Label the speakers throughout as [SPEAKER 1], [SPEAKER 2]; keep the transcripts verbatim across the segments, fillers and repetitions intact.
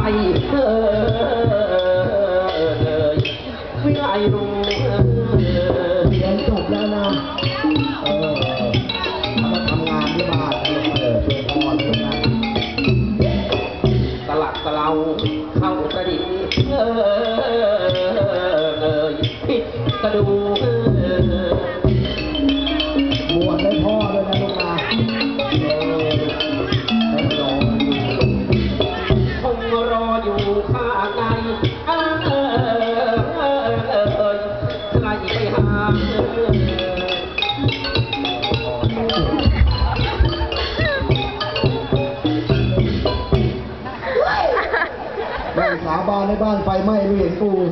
[SPEAKER 1] เออเลยวิไลรู้
[SPEAKER 2] เรียนจบแล้วนะเออมาทำงานที่บ้านเออช่วยพ่อช่วยแม่
[SPEAKER 1] ตลักตะเราเข้าประดิษฐ์เออเลยผิดกระดู
[SPEAKER 2] บวชได้พ่อด้วยนะลูกนะ
[SPEAKER 1] คงรออยู่ข้างในเออเออเออเออใครไปหา
[SPEAKER 2] แม่งสาบานในบ้านไฟไหม้ไม่เห็นกู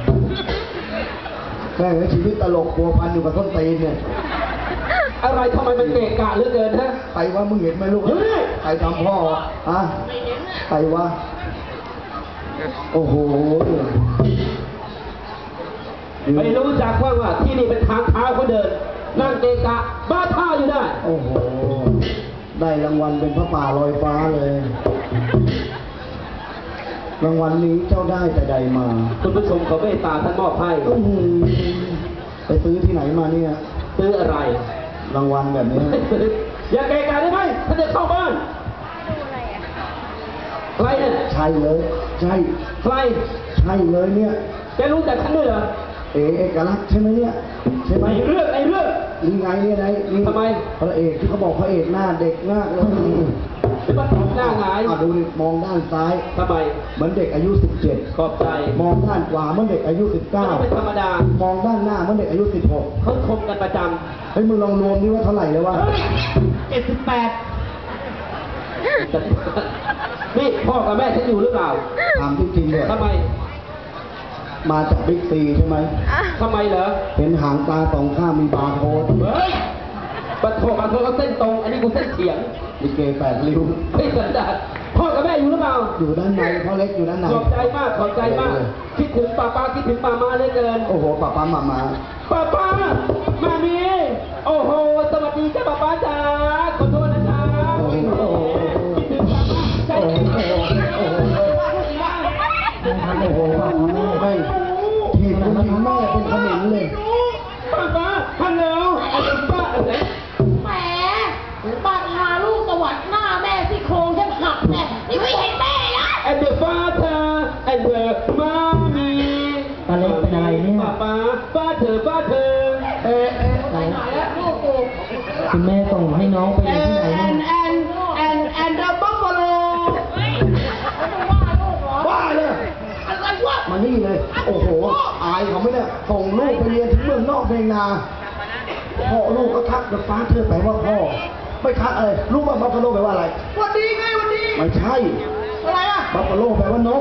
[SPEAKER 2] แม่งชีวิตตลกปัวพันอยู่กับต้นตีนเนี่ย
[SPEAKER 1] อะไรทำไมมันเกะกะเหลือเกินฮะ
[SPEAKER 2] ใครว่ามึงเห็นไหมลูกใครทำพ่อฮะใครว่าโอ้โห
[SPEAKER 1] ไม่รู้จักว่าว่าที่นี่เป็นทางเท้าเขาเดินนั่งเกะกะบ้าท่าอยู่ได้
[SPEAKER 2] โอ้โหได้รางวัลเป็นพระป่าลอยฟ้าเลยรางวัลนี้เจ้าได้แต่ใดมา
[SPEAKER 1] คุณผู้ชมเขาเมตตาท่านมอบให้
[SPEAKER 2] ไปซื้อที่ไหนมาเนี่ย
[SPEAKER 1] ซื้ออะไร
[SPEAKER 2] รางวัลแบบนี้
[SPEAKER 1] อย่าเกะกะได้ไหมท่านจะเข้าบ้านใครเนี่ย
[SPEAKER 2] ใช่เลยใช่
[SPEAKER 1] ใคร
[SPEAKER 2] ใช่เลยเนี่ย
[SPEAKER 1] แกรู้จักฉันด้วยเหรอ
[SPEAKER 2] เอ๋เอกลักษณ์ใช่ไหมเนี่ยใช่ไหม
[SPEAKER 1] เรื่องไอ้เรื่อง
[SPEAKER 2] นี่ไงเนี่ยไงนี่
[SPEAKER 1] ทำไม
[SPEAKER 2] พระเอกที่เขาบอกพระเอกหน้าเด็กมากเลย
[SPEAKER 1] เป็นบ้านหน้าหงาย
[SPEAKER 2] อ่ะดูมองด้านซ้าย
[SPEAKER 1] ทำไม
[SPEAKER 2] เหมือนเด็กอายุสิบเจ็ด
[SPEAKER 1] ขอบใจ
[SPEAKER 2] มองด้านขวาเหมือนเด็กอายุสิบเก้า
[SPEAKER 1] ไม่ธรรมดาม
[SPEAKER 2] องด้านหน้าเหมือนเด็กอายุสิบหก
[SPEAKER 1] เขาชมกันประจำ
[SPEAKER 2] เฮ้ยมึงลองรวมนี่ว่าเท่าไหร่เลยวะ
[SPEAKER 1] เจ็ดสิบแปดนี่พ่อกับแม่ฉันอยู่หรือเปล่า
[SPEAKER 2] ถามจริงๆเลย
[SPEAKER 1] ทำไม
[SPEAKER 2] มาจากบิ๊กซีใช่ไหม
[SPEAKER 1] ทำไมเหรอ
[SPEAKER 2] เห็นหางตาสองข้างมีบาร์โค้ด
[SPEAKER 1] เฮ้ยบัตรโทรบัตรโทรเขาเส้นตรงอันนี้กูเส้นเฉียง
[SPEAKER 2] ลิเกแปดริ้ว
[SPEAKER 1] ไม่สันดานพ่อกับแม่อยู่หรือเปล่า
[SPEAKER 2] อยู่ด้านในพ่อเล็กอยู่ด้านใน
[SPEAKER 1] ขอบใจมากขอบใจมากคิดถึงป้าป้าคิดถึงป้ามาเลยเกิน
[SPEAKER 2] โอ้โหป้าป้ามามา
[SPEAKER 1] ป้าป้ามามีโอ้โหสวัสดีจ้าป้าป้าจ๋าขอโทษนะจ๊ะ
[SPEAKER 2] โอ้โห
[SPEAKER 1] คิดถึงป้าป้าใจโอ้โห
[SPEAKER 2] โอ้โหโอ้โหไม่ทีมคุณหญิงแม่เป็นขมิ้นเลย
[SPEAKER 1] ป้าป้าฮัลโหลอะไรป้าอะไร
[SPEAKER 3] แหมป้าพาลูกตวัดหน้าแม่ที่โครงแทบหักแน่นี่ไม่เห็นแม่นะ
[SPEAKER 1] and the father and the mommy
[SPEAKER 4] ป้าเล็กเป็นอะไรเนี่ย
[SPEAKER 1] ป้าป้าป้าเธอป้าเธอ
[SPEAKER 3] เอ๊ะเอ๊ะไปไหนแล้วลูกกู
[SPEAKER 4] คุณแม่ส่งให้น้องไปอยู่ที่ไหนเนี่ย
[SPEAKER 3] and and and the buffalo
[SPEAKER 2] บ้าเลย
[SPEAKER 3] อะไรวะ
[SPEAKER 2] มานี่เลยโอ้โหอายเขาไม่ได้ส่งลูกไปเรียนที่เมืองนอกเมืองนาพ่อลูกก็ทักกับฟ้าเธอแปลว่าพ่อไม่ทักอะไรรู้ว่าบัฟฟาโลแปลว่าอะไร
[SPEAKER 3] วันดีไงวันดี
[SPEAKER 2] ไม่ใช่
[SPEAKER 3] อะไรอ่ะ
[SPEAKER 2] บัฟฟาโลแปลว่านก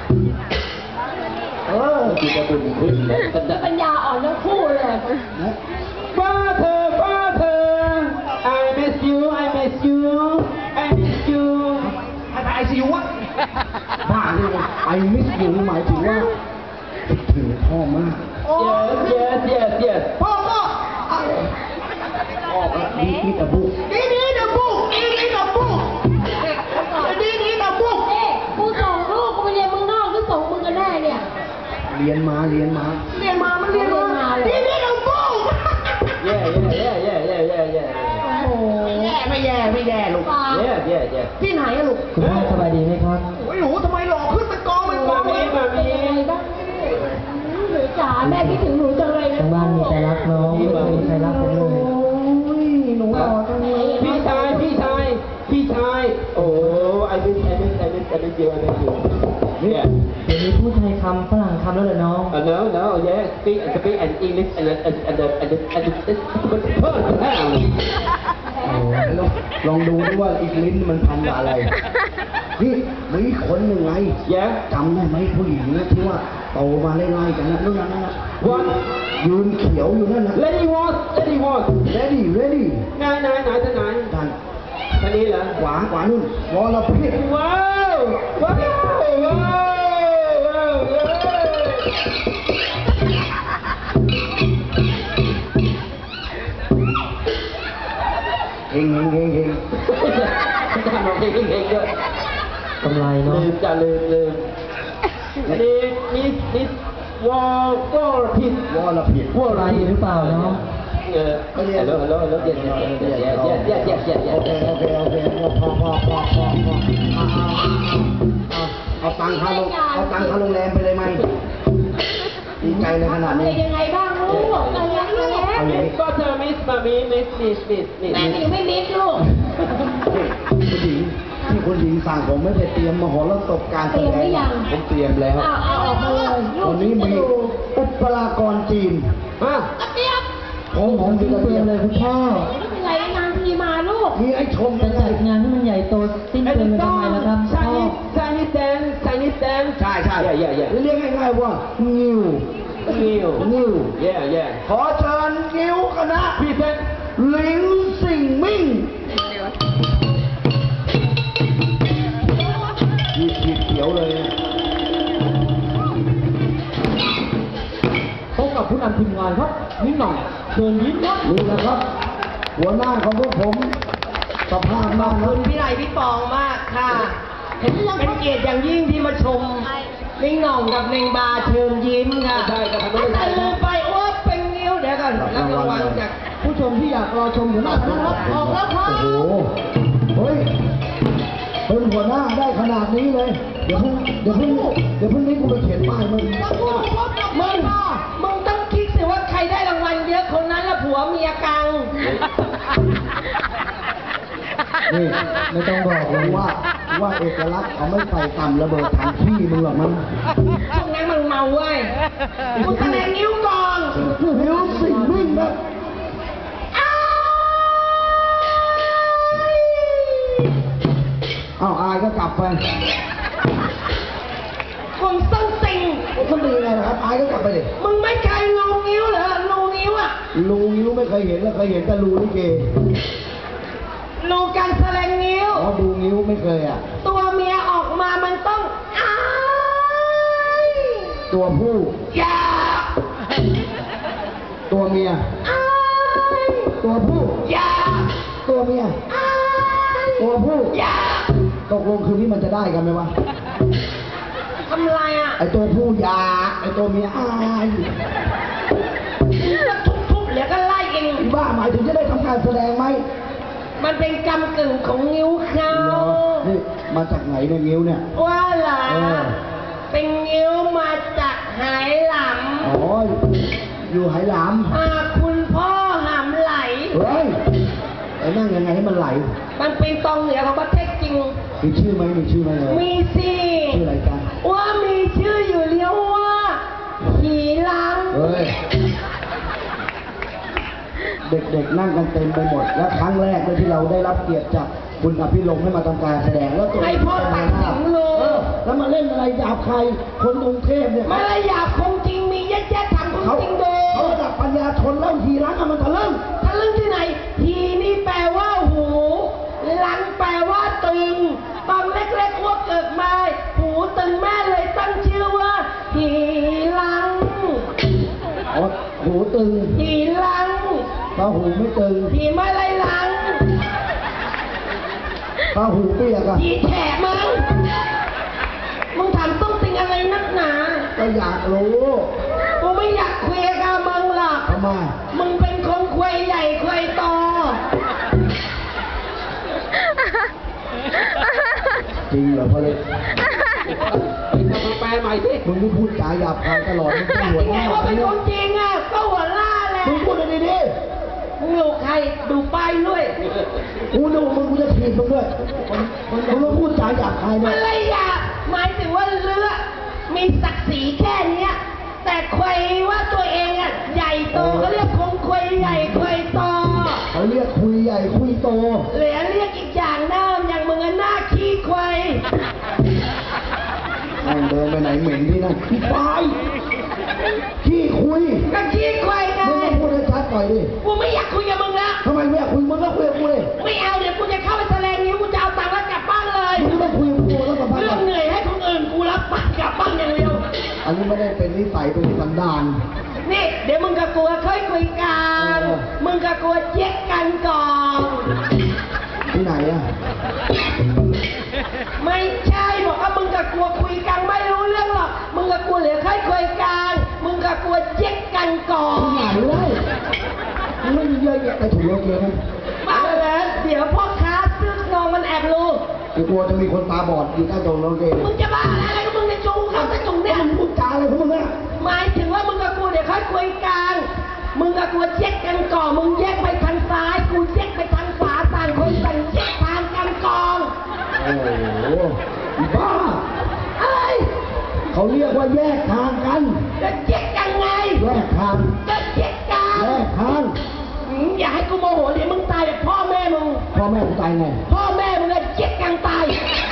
[SPEAKER 2] เออจิตตุ่นขึ้น
[SPEAKER 3] ปัญญาอ่อนทั้งคู่เลย
[SPEAKER 1] ฟ้าเธอฟ้าเธอ I miss you I miss you I miss you
[SPEAKER 2] ไอซียูวะบ้าเลยไอมิสยูหมายถึงว่าถึงพ่อมาก
[SPEAKER 1] yes yes yes
[SPEAKER 3] พ่อก็
[SPEAKER 2] ออกแล้วนี่นี่ตะบุก
[SPEAKER 3] นี่นี่ตะบุกนี่นี่ตะบุกนี่นี่ตะบุกเอ๊ะกูส่งลูกกูไปเรียนเมืองนอกหรือส่งมึงกันแน่เนี่ย
[SPEAKER 2] เรียนมาเรียนมา
[SPEAKER 3] เรียนมามันเรียนมานี่นี่ตะบุก
[SPEAKER 1] แย่แย่แย่แย่แย่แย่แย่
[SPEAKER 3] โอ้โหแย่ไม่แย่ไม่แย่ลูก
[SPEAKER 1] แย่แย่แย่
[SPEAKER 3] ที่ไหนอะลูก
[SPEAKER 4] คุณพ่อสบายดีไหมครับ
[SPEAKER 3] โอ้ยหนูทำไมหล่อขึ้นเป็นกองเป็นกอง
[SPEAKER 1] เลยมามี
[SPEAKER 3] หนูจ๋าแม่คิดถึงหนูจังเลยนะ
[SPEAKER 4] ทางบ้านมีใครรักน้องไม่มีใครรักผมเลย
[SPEAKER 3] หนูหล่อจังเลย
[SPEAKER 1] พี่ชายพี่ชายพี่ชายโอ้ไอ้เป็นไอ้เป็นไอ้เป็นไอ้เป็นเจียวไอ้เป็นเจียวเนี่ย
[SPEAKER 4] เดี๋ยวนี้พูดไทยคำฝรั่งคำแล้วเหรอน้อง
[SPEAKER 1] เออ no no yeah speak speak and English and and and and and andมันเพิ่มแล้ว
[SPEAKER 2] ลองดูด้วยว่าอีกลิ้นมันทำอะไรนี่มีคนหนึ่งไงจำได้ไหมผู้หญิงนะที่ว่าโตมาไล่ๆกันนะนั่นนั่นนั่น
[SPEAKER 1] วัน
[SPEAKER 2] ยืนเขียวอยู่นั่นนะ
[SPEAKER 1] Lady was Lady was
[SPEAKER 2] Ready Ready
[SPEAKER 1] ไหนไหนไหนท่านไหน
[SPEAKER 2] ท่าน
[SPEAKER 1] ท่านนี้เหรอ
[SPEAKER 2] ขวาขวานู่นวอลพิษ
[SPEAKER 1] ว้าวว้าวว้าวว้าว
[SPEAKER 2] เฮงเฮงเฮงเฮง
[SPEAKER 1] ทำเราเฮงเฮงเยอะ
[SPEAKER 4] กำไรเนาะ
[SPEAKER 1] ลืมจะลืมลืมนี่นี่นี่วอลก็ผิด
[SPEAKER 2] วอลผิด
[SPEAKER 1] วอล
[SPEAKER 4] กำไร
[SPEAKER 1] ผิด
[SPEAKER 4] หรือเปล่าเนาะ
[SPEAKER 1] เออฮัลโหลฮัลโหลฮัลโหลเย็นเย็นเย็นเย็นเย็นเย็นเย็นเย็นเย็น
[SPEAKER 2] โอเคโอเคโอเคพอพอพอพอพอเอาเอาเอาเอาตังค่าโรงเอาตังค่าโรงแรมไปเลยไหมดีใจในขนาด
[SPEAKER 3] เป็
[SPEAKER 2] นี้
[SPEAKER 3] นยังไงบ้างลูกอะไรยังไง
[SPEAKER 2] เอาอย่างนี้
[SPEAKER 1] ก็เธอมิสมามีมิสมิสมิสมิส
[SPEAKER 3] แม่ถึงไม่มิดลูก
[SPEAKER 2] คุณหญิงที่คุณหญิงสั่งผมไม่ได้เตรียมมหรสพการแสดงผมเตรียมแล้ว
[SPEAKER 3] เอาเอาออกมาเลยลู
[SPEAKER 2] วั
[SPEAKER 3] ก
[SPEAKER 2] นนี้
[SPEAKER 3] จะ
[SPEAKER 2] มี
[SPEAKER 3] ดู
[SPEAKER 2] อุปรากรจีน
[SPEAKER 1] ฮะ
[SPEAKER 3] กระเจี๊ยบ
[SPEAKER 2] ของผม
[SPEAKER 4] จริ
[SPEAKER 2] คื
[SPEAKER 4] ง
[SPEAKER 2] อกระ
[SPEAKER 4] เป
[SPEAKER 2] เที
[SPEAKER 4] ลี่
[SPEAKER 2] ย
[SPEAKER 4] ย
[SPEAKER 2] ม
[SPEAKER 4] นเลยคุณพ่อ
[SPEAKER 3] ไม่เป็นไรนานทีมาลูก
[SPEAKER 2] มีไอ้ชม
[SPEAKER 4] จะ
[SPEAKER 2] ยังไง
[SPEAKER 4] จัดงานให้มันใหญ่โตสิ้นเปลืองไปทำไมล่ะครับ
[SPEAKER 1] ชา
[SPEAKER 4] พ่อ
[SPEAKER 1] นิสชานิสแดนชานิสแดน
[SPEAKER 2] ใช่ใช่
[SPEAKER 1] เย่เย่เย่
[SPEAKER 2] เรียกง่ายๆว่างิว
[SPEAKER 1] นิว
[SPEAKER 2] งิว
[SPEAKER 1] เย่เย่
[SPEAKER 2] ขอเชิญงิวคณะ
[SPEAKER 1] พี่เซน
[SPEAKER 2] หลิงสิงมิ่งยีดขีดเขียวเลย
[SPEAKER 1] พบกับผู้นำทีมงานครับนิ้งหน่องเชิญยิ้มครับ
[SPEAKER 2] นี่แหละครับ หัวหน้าของพวกผมสภาพมาก
[SPEAKER 5] ขอบ
[SPEAKER 2] นะ
[SPEAKER 5] คุณพี่ไลพี่ปองมากค่ะเป็นเกียรติอย่างยิ่งที่มาชมนิ่งหน่องกับเนงบาเชิญยิ้มค่ะ
[SPEAKER 1] ใช่ครับ
[SPEAKER 5] แต่ลืมไปว่าเป็นนิ้วเดี๋ยวก่อนรับรางวัลจาก
[SPEAKER 2] ผู้ชมที่อยากรอชมหัวหน้าคณะครับออกแล้วครับโอ้โหเฮ้ยเป็นหัวหน้าได้ขนาดนี้เลย เดี๋ยวพรุ่งเดี๋ยวพรุ่งเดี๋ยวพรุ่งนี้กูไปเขียนป้ายมึง
[SPEAKER 5] มึงมึงต้องคิดสิว่าใครได้รางวัลเยอะคนนั้นละผัวเมียกัง
[SPEAKER 2] นี่
[SPEAKER 4] ไม่ต้องบอกเลย
[SPEAKER 2] ว่าว่าเอกลักษณ์เขาไม่ใส่ต่ำระเบิดถังขี้มึงหรอกมั้ง
[SPEAKER 5] ช่วงนั้นมันเมาเว้ยกูแสดงนิ้วก่อน
[SPEAKER 2] มิวสิกวิ่งนะ เอาอายก็กลับไป
[SPEAKER 5] คนส้นติง
[SPEAKER 2] มันดีไงนะครับ อายก็กลับไปดิ
[SPEAKER 5] มึงไม่เคยรูนิ้วเหรอรูนิ้วอะ
[SPEAKER 2] รูนิ้วไม่เคยเห็นแล้วเคยเห็นแต่รูลิเก
[SPEAKER 5] รูการแสดงนิ้ว
[SPEAKER 2] อ๋อดูนิ้วไม่เคยอ่ะ
[SPEAKER 5] ตัวเมียออกมามันต้องอ้าย
[SPEAKER 2] ตัวผู้
[SPEAKER 5] อย่า
[SPEAKER 2] ตัวเมีย
[SPEAKER 5] อ้าย
[SPEAKER 2] ตัวผู้
[SPEAKER 5] อย่า
[SPEAKER 2] ตัวเมีย
[SPEAKER 5] อ้าย
[SPEAKER 2] ตัวผู้
[SPEAKER 5] อย่า
[SPEAKER 2] ตกลงคืนนี้มันจะได้กันไหมวะ
[SPEAKER 5] ทำไรอ่ะ
[SPEAKER 2] ไอตัวผู้อยากไอตัวเมียอาย
[SPEAKER 5] มึงจะทุบๆเหลือก็ไล่เอง
[SPEAKER 2] ที่บ้าหมายถึงจะได้ทำการแสดงไหม
[SPEAKER 5] มันเป็นกำกึ่งของนิ้วเขา
[SPEAKER 2] เหรอนี่มาจากไหนเนี่ยนิ้วเนี่ย
[SPEAKER 5] ว่าเหรอ
[SPEAKER 2] เออ
[SPEAKER 5] เป็นนิ้วมาจากไหหล
[SPEAKER 2] อ๋อ อยู่ไหหลาม
[SPEAKER 5] ำอ่าคุณพ่อหำไหล
[SPEAKER 2] เฮ้ยไอ้นั่งยังไงให้มันไหล
[SPEAKER 5] มันเป็นตองเหนือของประเทศจริง
[SPEAKER 2] มีชื่อไหมมีชื่อไหมเลย
[SPEAKER 5] มีสิ
[SPEAKER 2] ชื่ออะไรกัน
[SPEAKER 5] ว่ามีชื่ออยู่เรียกว่าหีลัง
[SPEAKER 2] เฮ้ย เด็กๆนั่งกันเต็มไปหมด และครั้งแรกเลยที่เราได้รับเกียรติจากคุณอภิรมย์ให้มาทำการแสดงแล้วตัว
[SPEAKER 5] ให้พ่อตัดสินเลย
[SPEAKER 2] เออแล้วมาเล่นอะไรหยาบใคร คนกรุงเทพเนี่ย
[SPEAKER 5] มารยาทคงจริงมีแย่ๆทำคง
[SPEAKER 2] เขา
[SPEAKER 5] จริงดู
[SPEAKER 2] เขาระดับปัญญาชนแล้วทีรักอะมันทะลึ่ง
[SPEAKER 5] ทะลึ่งที่ไหน ทีนี่แปลว่าหูหลังแปลว่าตึงตอนเล็กๆอ้วกเกิดมาหูตึงแม่เลยตั้งชื่อว่าหีลัง
[SPEAKER 2] อ๋อหูตึง
[SPEAKER 5] หีลัง
[SPEAKER 2] ตาหูไม่ตึง
[SPEAKER 5] หีไม่ไรลัง
[SPEAKER 2] ตาหูเปียกอะ
[SPEAKER 5] หีแฉะมึงมึงถามต้องติงอะไรนักหนา
[SPEAKER 2] ก็อยากรู้
[SPEAKER 5] กูไม่อยากคุยกับมึงหรอก
[SPEAKER 2] ทำไม
[SPEAKER 5] มึงเป็นคนคุยใหญ่คุยโต
[SPEAKER 2] จริงเหรอพ่อเล็ก
[SPEAKER 1] ทำแปลใหม่สิ
[SPEAKER 2] มึงไม่พูดจาหยาบคายตลอดมึงเป็นหัว
[SPEAKER 5] ยัง
[SPEAKER 2] ห
[SPEAKER 5] ไง
[SPEAKER 2] น้า
[SPEAKER 5] ว่าเป็น
[SPEAKER 2] เนี่
[SPEAKER 5] ค
[SPEAKER 2] ย
[SPEAKER 5] นจริงอ่ะก็หัวล่าแหละ
[SPEAKER 2] มึงพูดดีๆดิ
[SPEAKER 5] มึงอยู่ใครดูป้ายด้วย
[SPEAKER 2] กูนึกว่ามึงกูจะถีบมึงด้วยมึงต้องพูดจาหยาบคายด้ว
[SPEAKER 5] มั
[SPEAKER 2] ย
[SPEAKER 5] นเลยอยากหมายถึงว่าเลือมีศักดิ์ศรีแค่เนี้ย แต่ควยว่าตัวเองอ่ะใหญ่โตก็เรียกคงควยใหญ่ควยโต
[SPEAKER 2] เขาเรียกคุยใหญ่คุยโต
[SPEAKER 5] เหลือเรียกอีกอย่างหน้าอย่างมึงอะหน้าขี้ควย
[SPEAKER 2] แม่งเดินไปไหนเหม็นที่นั่นพี่ปายขี้คุย
[SPEAKER 5] ก็ขี้ควยไง
[SPEAKER 2] มึงก็พูดให้ชัดหน่อยดิ
[SPEAKER 5] กูไม่อยากคุยกับมึงแล้ว
[SPEAKER 2] ทำไมไม่อยากคุยมึงก็คุยกับกูเลย
[SPEAKER 5] ไม่เอาเดี๋ยวกูจะเข้าไปแสดงนิ้วกูจะเอาตังค์แล้วกลับบ้านเลย
[SPEAKER 2] มึงไม่คุยกับกูแล้วกับพัก
[SPEAKER 5] เรื่องเหนื่อยให้คนอื่นกูรับปากกลับบ้านอย่างเดียว
[SPEAKER 2] อันนี้ไม่ได้เป็นนิสัยเป็นสันดาน
[SPEAKER 5] นี่เดี๋ยวมึงกับกูค่อยคุยกัน
[SPEAKER 2] เออ
[SPEAKER 5] มึงกับกูเช็คกันก่อน
[SPEAKER 2] ที่ไหนอะ
[SPEAKER 5] ไม่ใช่กลัวเจ๊กกันก่อน
[SPEAKER 2] หนาเลยมันไม่มีเยอะแยะไปถูกโลเกนะ
[SPEAKER 5] บ้าแล้วเดี๋ยวพ่อค้าซื้อนองมันแอบรู้
[SPEAKER 2] กูกลัวจะมีคนตาบอดอยู่ใต้ตรงโลเก
[SPEAKER 5] มึงจะบ้าอะไรกับมึงในจูงเขาจะจุงเนี่ย
[SPEAKER 2] มึงพูดจาอะไรของมึงเนี่ย
[SPEAKER 5] หมายถึงว่ามึงกับกูเดี๋ยวค่อยคุยกันมึงกับกูเจ๊กกันก่อนมึงแยกไปทางซ้ายกูแยกไปทางขวาต่างคนต่างแยกทางกันก่อน
[SPEAKER 2] โอ้โหบ้า
[SPEAKER 5] อะไร
[SPEAKER 2] เขาเรียกว่าแยกทางกัน
[SPEAKER 5] จะแยกยังไง
[SPEAKER 2] แยกทาง
[SPEAKER 5] จะแยกกัน
[SPEAKER 2] แยกทาง
[SPEAKER 5] อืมอย่าให้กูโมโหเดี๋ยวมึงตายแบบพ่อแม่มึง
[SPEAKER 2] พ่อแม่กูตายไง
[SPEAKER 5] พ่อแม่มึงอะแยกกันตาย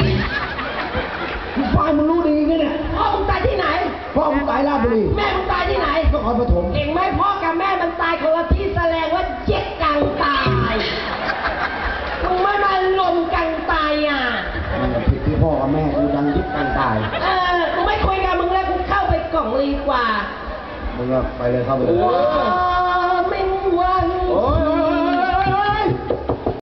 [SPEAKER 2] มึงฟังมึงรู้ดีไงเนี่ย
[SPEAKER 5] พ่อมึงตายที่ไหน
[SPEAKER 2] พ่อมึงตายราชบุรี
[SPEAKER 5] แม่มึงตายที่ไหน
[SPEAKER 2] นครปฐม
[SPEAKER 5] เห็นไหมพ่อกับแม่มันตายคนละที่แสดงว่าแยกกันตายมึงไม่มาลงกันตายอ่ะ
[SPEAKER 2] มันผิดที่พ่อกับแม่กูดังยึดกันตาย
[SPEAKER 5] เออกูไม่คุยกับมึงแล้วกูเข้าไปกล่องเลยดีกว่า
[SPEAKER 2] มึงก็ไปเลยเข้าไปเลย
[SPEAKER 5] ว้าไม่ว่า